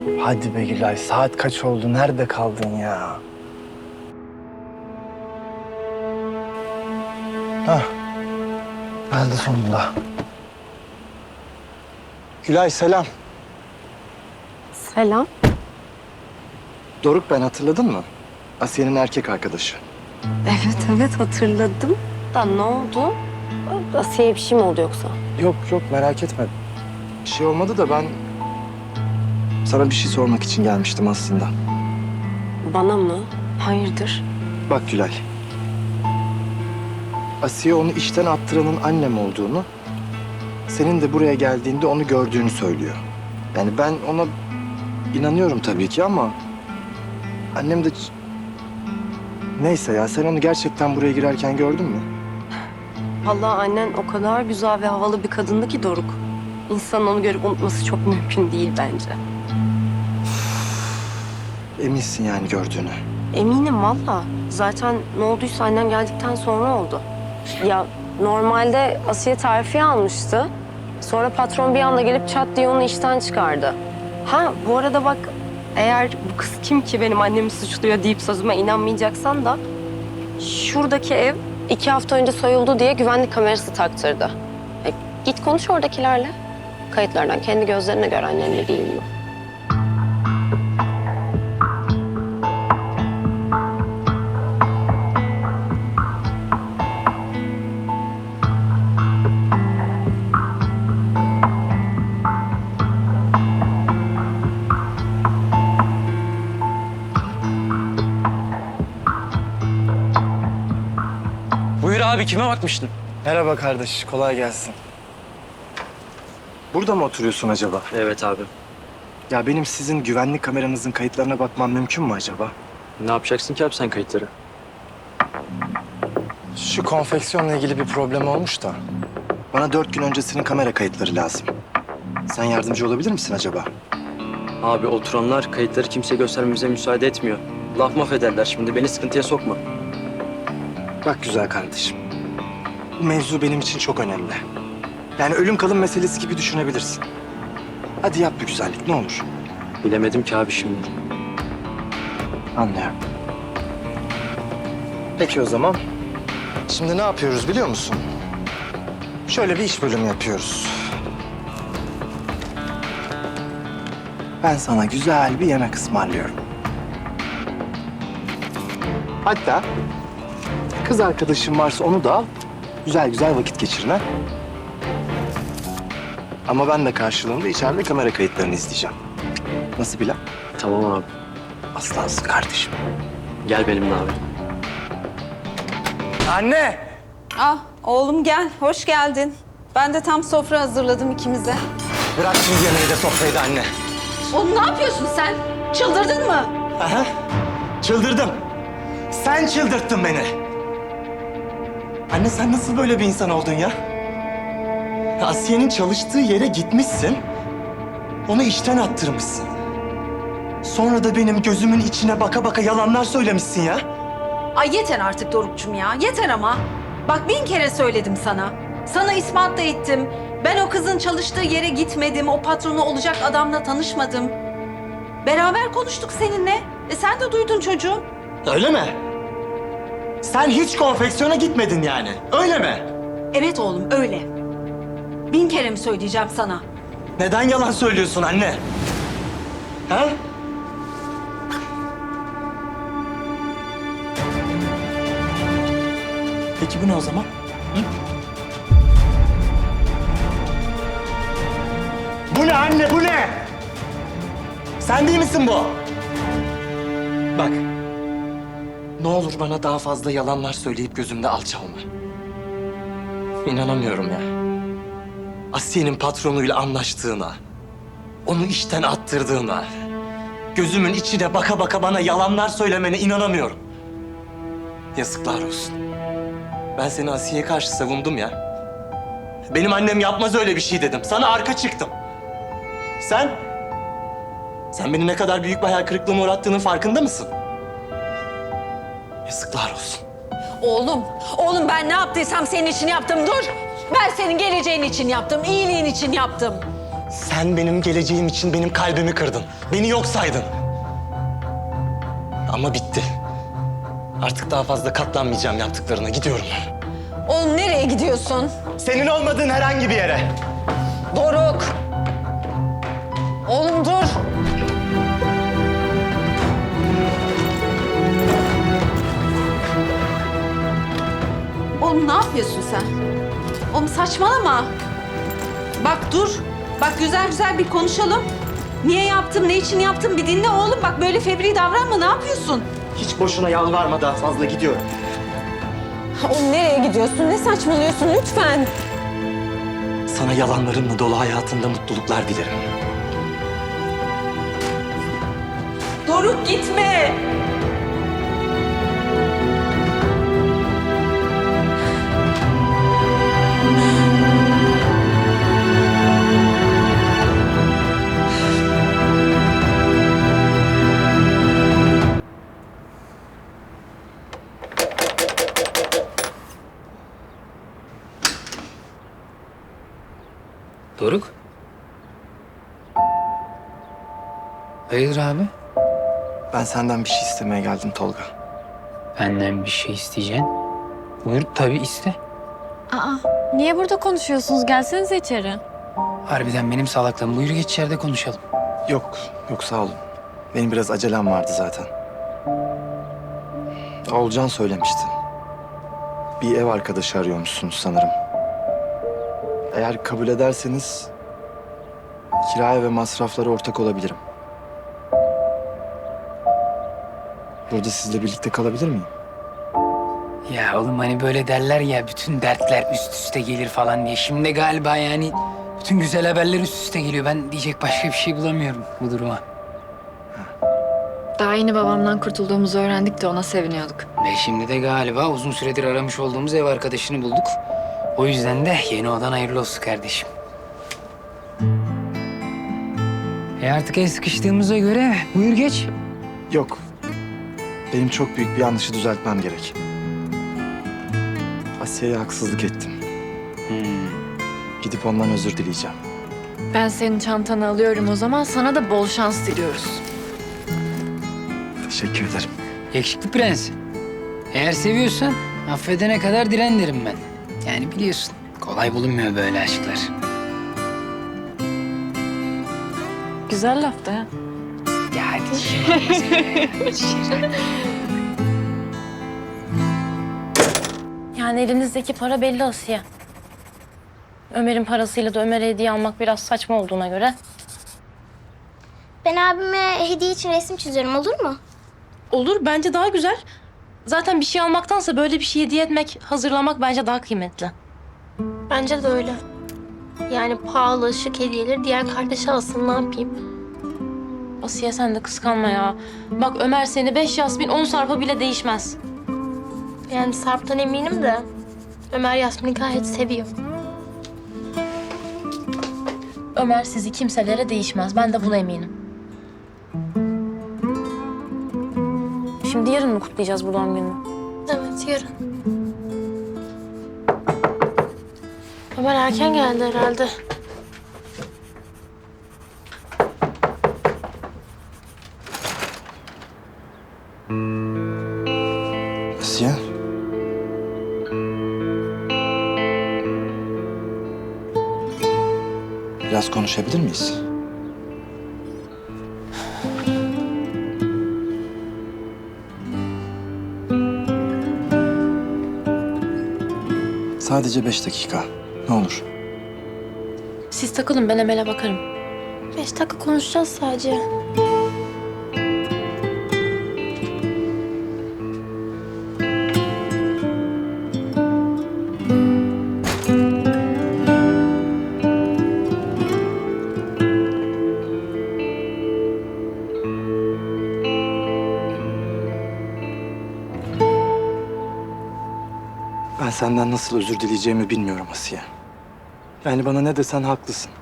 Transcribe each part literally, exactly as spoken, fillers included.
Hadi be Gülay, saat kaç oldu? Nerede kaldın ya? Hah, geldi sonunda. Gülay selam. Selam. Doruk ben, hatırladın mı? Asiye'nin erkek arkadaşı. Evet evet hatırladım. Da ne oldu? Asiye'ye bir şey mi oldu yoksa? Yok yok, merak etme. Bir şey olmadı da ben sana bir şey sormak için gelmiştim aslında. Bana mı? Hayırdır? Bak Gülay. Asiye onu işten attıranın annem olduğunu, senin de buraya geldiğinde onu gördüğünü söylüyor. Yani ben ona inanıyorum tabii ki ama annem de... Neyse ya, sen onu gerçekten buraya girerken gördün mü? Vallahi annen o kadar güzel ve havalı bir kadındı ki Doruk. İnsanın onu görüp unutması çok mümkün değil bence. Eminsin yani gördüğünü. Eminim valla. Zaten ne olduysa annen geldikten sonra oldu. Ya normalde Asiye terfi almıştı. Sonra patron bir anda gelip çat diye onu işten çıkardı. Ha bu arada bak, eğer bu kız kim ki benim annemi suçluyor deyip sözüme inanmayacaksan da... Şuradaki ev iki hafta önce soyuldu diye güvenlik kamerası taktırdı. E, git konuş oradakilerle. Kayıtlardan kendi gözlerine gör annenle değil mi? Buyur abi, kime bakmıştın? Merhaba kardeş, kolay gelsin. Burada mı oturuyorsun acaba? Evet abi. Ya benim sizin güvenlik kameranızın kayıtlarına bakmam mümkün mü acaba? Ne yapacaksın ki abi sen kayıtları? Şu konfeksiyonla ilgili bir problem olmuş da. Bana dört gün öncesinin kamera kayıtları lazım. Sen yardımcı olabilir misin acaba? Abi oturanlar kayıtları kimseye göstermemize müsaade etmiyor. Laf maf ederler, şimdi beni sıkıntıya sokma. Bak güzel kardeşim. Bu mevzu benim için çok önemli. Yani ölüm kalım meselesi gibi düşünebilirsin. Hadi yap bir güzellik ne olur. Bilemedim ki abi şimdi. Anlıyorum. Peki o zaman. Şimdi ne yapıyoruz biliyor musun? Şöyle bir iş bölümü yapıyoruz. Ben sana güzel bir yemek ısmarlıyorum. Hatta kız arkadaşım varsa onu da al. Güzel güzel vakit geçirme. Ama ben de karşılığında içeride kamera kayıtlarını izleyeceğim. Nasıl plan? Tamam abi. Aslansın kardeşim. Gel benimle abi. Anne! Ah oğlum gel, hoş geldin. Ben de tam sofra hazırladım ikimize. Bırak şimdi yemeği de sofrayı da anne. Oğlum ne yapıyorsun sen? Çıldırdın mı? Aha, çıldırdım. Sen çıldırttın beni. Anne sen nasıl böyle bir insan oldun ya? Asiye'nin çalıştığı yere gitmişsin. Onu işten attırmışsın. Sonra da benim gözümün içine baka baka yalanlar söylemişsin ya. Ay yeter artık Doruk'cum ya, yeter ama. Bak bin kere söyledim sana. Sana ispat da ettim. Ben o kızın çalıştığı yere gitmedim. O patronu olacak adamla tanışmadım. Beraber konuştuk seninle. E sen de duydun çocuğum. Öyle mi? Sen hiç konfeksiyona gitmedin yani. Öyle mi? Evet oğlum öyle. Bin kere mi söyleyeceğim sana? Neden yalan söylüyorsun anne? Ha? Peki bu ne o zaman? Hı? Bu ne anne, bu ne? Sen değil misin bu? Bak. Ne olur bana daha fazla yalanlar söyleyip gözümde alçalma. İnanamıyorum ya. Asiye'nin patronuyla anlaştığına, onu işten attırdığına, gözümün içine baka baka bana yalanlar söylemene inanamıyorum. Yazıklar olsun. Ben seni Asiye'ye karşı savundum ya. Benim annem yapmaz öyle bir şey dedim. Sana arka çıktım. Sen? Sen beni ne kadar büyük bir hayal kırıklığına uğrattığının farkında mısın? Yazıklar olsun. Oğlum, oğlum ben ne yaptıysam senin için yaptım. Dur. Ben senin geleceğin için yaptım, iyiliğin için yaptım. Sen benim geleceğim için benim kalbimi kırdın. Beni yok saydın. Ama bitti. Artık daha fazla katlanmayacağım yaptıklarına. Gidiyorum. Oğlum nereye gidiyorsun? Senin olmadığın herhangi bir yere. Doruk. Oğlum dur. Oğlum ne yapıyorsun sen? Oğlum saçmalama. Bak dur. Bak güzel güzel bir konuşalım. Niye yaptım, ne için yaptım bir dinle oğlum. Bak böyle fevri davranma, ne yapıyorsun? Hiç boşuna yalvarma, daha fazla gidiyorum. Oğlum nereye gidiyorsun? Ne saçmalıyorsun lütfen? Sana yalanlarımla dolu hayatında mutluluklar dilerim. Doruk gitme. Doruk? Hayırdır abi? Ben senden bir şey istemeye geldim Tolga. Benden bir şey isteyeceksin. Buyur tabii iste. Aa, niye burada konuşuyorsunuz? Gelsenize içeri. Harbiden benim salaklığım. Buyur geç içeride konuşalım. Yok, yok sağ olun. Benim biraz acelem vardı zaten. Oğulcan söylemişti. Bir ev arkadaşı arıyormuşsunuz sanırım. Eğer kabul ederseniz kiraya ve masraflara ortak olabilirim. Burada sizle birlikte kalabilir miyim? Ya oğlum hani böyle derler ya bütün dertler üst üste gelir falan diye. Şimdi galiba yani bütün güzel haberler üst üste geliyor. Ben diyecek başka bir şey bulamıyorum bu duruma. Daha yeni babamdan kurtulduğumuzu öğrendik de ona seviniyorduk. Ve şimdi de galiba uzun süredir aramış olduğumuz ev arkadaşını bulduk. O yüzden de yeni odan hayırlı olsun kardeşim. E artık el sıkıştığımıza göre buyur geç. Yok. Benim çok büyük bir yanlışı düzeltmem gerek. Asya'ya haksızlık ettim. Gidip ondan özür dileyeceğim. Ben senin çantanı alıyorum o zaman. Sana da bol şans diliyoruz. Teşekkür ederim. Yakışıklı prens. Eğer seviyorsan affedene kadar diren derim ben. Yani biliyorsun kolay bulunmuyor böyle aşklar. Güzel laftı ha. Ya hadi şimdi. Yani elinizdeki para belli Asiye. Ömer'in parasıyla da Ömer'e hediye almak biraz saçma olduğuna göre. Ben abime hediye için resim çiziyorum, olur mu? Olur, bence daha güzel. Zaten bir şey almaktansa böyle bir şey hediye etmek, hazırlamak bence daha kıymetli. Bence de öyle. Yani pahalı, şık hediyeleri diğer kardeşi alsın, ne yapayım? Asiye sen de kıskanma ya. Bak Ömer seni beş Yasmin, on Sarp'a bile değişmez. Yani Sarp'tan eminim de Ömer Yasmin'i gayet seviyor. Ömer sizi kimselere değişmez. Ben de buna eminim. Şimdi yarın mı kutlayacağız bu doğum gününü? Evet, yarın. Ömer erken geldi herhalde. Asiye. Biraz konuşabilir miyiz? Sadece beş dakika. Ne olur. Siz takılın, ben Emel'e bakarım. Beş dakika konuşacağız sadece. Ben senden nasıl özür dileyeceğimi bilmiyorum Asiye. Yani bana ne desen haklısın.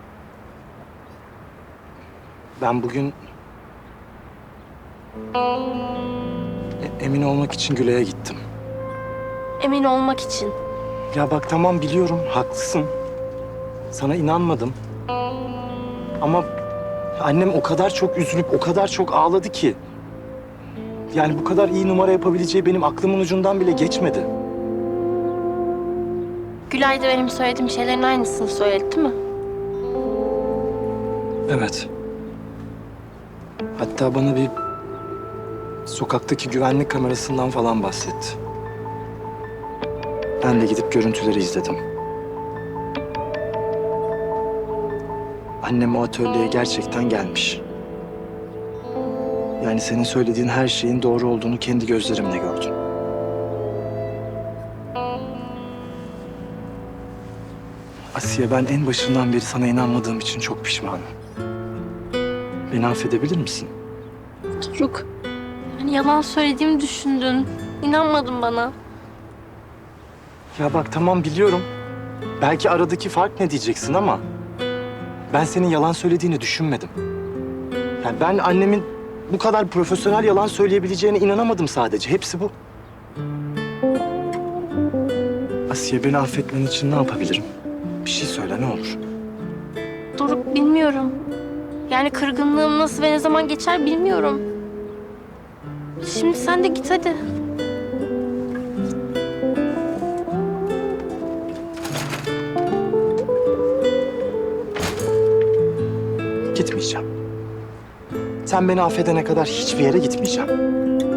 Ben bugün... e- emin olmak için Güle'ye gittim. Emin olmak için. Ya bak tamam biliyorum haklısın. Sana inanmadım. Ama annem o kadar çok üzülüp o kadar çok ağladı ki. Yani bu kadar iyi numara yapabileceği benim aklımın ucundan bile geçmedi. Gülay da benim söylediğim şeylerin aynısını söyledi değil mi? Evet. Hatta bana bir sokaktaki güvenlik kamerasından falan bahsetti. Ben de gidip görüntüleri izledim. Annem o atölyeye gerçekten gelmiş. Yani senin söylediğin her şeyin doğru olduğunu kendi gözlerimle gördüm. Asiye, ben en başından beri sana inanmadığım için çok pişmanım. Beni affedebilir misin? Doruk. Hani yalan söylediğimi düşündün. İnanmadın bana. Ya bak tamam biliyorum. Belki aradaki fark ne diyeceksin ama... ben senin yalan söylediğini düşünmedim. Yani ben annemin bu kadar profesyonel yalan söyleyebileceğine inanamadım sadece. Hepsi bu. Asiye, beni affetmen için ne yapabilirim? Bir şey söyle ne olur. Doruk bilmiyorum. Yani kırgınlığım nasıl ve ne zaman geçer bilmiyorum. Şimdi sen de git hadi. Gitmeyeceğim. Sen beni affedene kadar hiçbir yere gitmeyeceğim.